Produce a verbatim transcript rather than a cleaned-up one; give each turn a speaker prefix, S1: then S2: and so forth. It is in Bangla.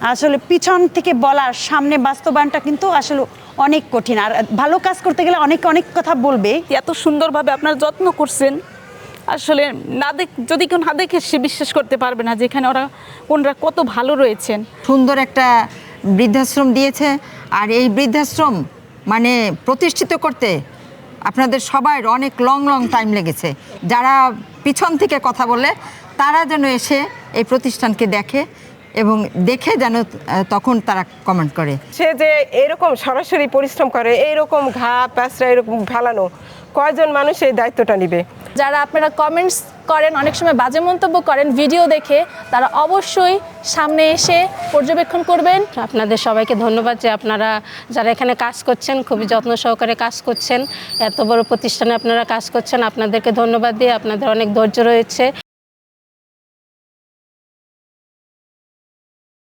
S1: আসলে পিছন থেকে বলার সামনে বাস্তবায়নটা কিন্তু আসলে অনেক কঠিন। আর ভালো কাজ করতে গেলে অনেক অনেক কথা বলবে।
S2: এত সুন্দরভাবে আপনারা যত্ন করছেন, আসলে না দেখ যদি কেউ না দেখে সে বিশ্বাস করতে পারবে না যেখানে ওরা ওনারা কত ভালো রয়েছেন।
S3: সুন্দর একটা বৃদ্ধাশ্রম দিয়েছে। আর এই বৃদ্ধাশ্রম মানে প্রতিষ্ঠিত করতে আপনাদের সবার অনেক লং লং টাইম লেগেছে। যারা পিছন থেকে কথা বলে তারা যেন এসে এই প্রতিষ্ঠানকে দেখে এবং দেখে যেন তখন তারা কমেন্ট করে।
S4: সে যে এরকম সরাসরি পরিশ্রম করে, এইরকম ঘা প্যাঁচড়া এরকম ফেলানো, কয়জন মানুষ এই দায়িত্বটা নিবে?
S5: যারা আপনারা কমেন্টস করেন, অনেক সময় বাজে মন্তব্য করেন ভিডিও দেখে, তারা অবশ্যই সামনে এসে পর্যবেক্ষণ করবেন।
S6: আপনাদের সবাইকে ধন্যবাদ যে আপনারা যারা এখানে কাজ করছেন খুবই যত্ন সহকারে কাজ করছেন, এত বড় প্রতিষ্ঠানে আপনারা কাজ করছেন, আপনাদেরকে ধন্যবাদ দিয়ে আপনাদের অনেক ধৈর্য রয়েছে।